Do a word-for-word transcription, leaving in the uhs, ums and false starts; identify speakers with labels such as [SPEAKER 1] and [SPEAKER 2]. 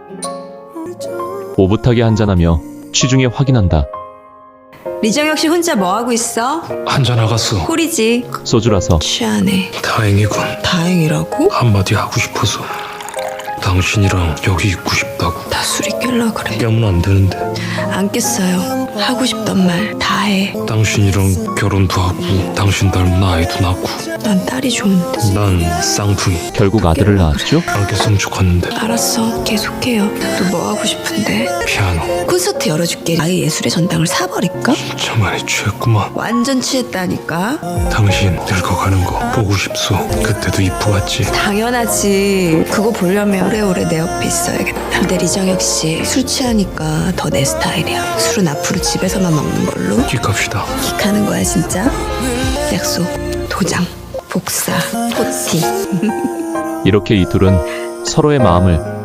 [SPEAKER 1] 오붓하게 한잔하며 취중에 확인한다.
[SPEAKER 2] 리정혁 씨 혼자 뭐하고 있어?
[SPEAKER 3] 한잔 나갔어.
[SPEAKER 2] 홀이지.
[SPEAKER 1] 소주라서
[SPEAKER 2] 취하네.
[SPEAKER 3] 다행이군.
[SPEAKER 2] 다행이라고?
[SPEAKER 3] 한마디 하고 싶어서. 당신이랑 여기 있고 싶다고.
[SPEAKER 2] 나 술이 깰라 그래.
[SPEAKER 3] 깨면 안 되는데.
[SPEAKER 2] 안 깼어요. 하고 싶던 말 다 해.
[SPEAKER 3] 당신이랑 결혼도 하고 당신 닮은 아이도 낳고.
[SPEAKER 2] 난 딸이 좋은데.
[SPEAKER 3] 난 쌍둥이.
[SPEAKER 1] 결국 아들을 낳았죠?
[SPEAKER 3] 안 깼으면 좋겠는데.
[SPEAKER 2] 알았어. 계속해요. 또 뭐 하고 싶은데?
[SPEAKER 3] 피아노.
[SPEAKER 2] 콘서트 열어줄게. 아예 예술의 전당을 사버릴까?
[SPEAKER 3] 진짜 많이 취했구만.
[SPEAKER 2] 완전 취했다니까.
[SPEAKER 3] 당신 늙어가는 거 보고 싶소. 그때도 이쁘았지.
[SPEAKER 2] 당연하지. 그거 보려면 오래오래 내 옆에 있어야겠다. 근데 리정혁 씨 술 취하니까 더 내 스타일이야. 술은 앞으로 집에서만 먹는 걸로.
[SPEAKER 3] 기갑시다.
[SPEAKER 2] 킥하는 거야 진짜. 약속, 도장, 복사, 포티.
[SPEAKER 1] 이렇게 이 둘은 서로의 마음을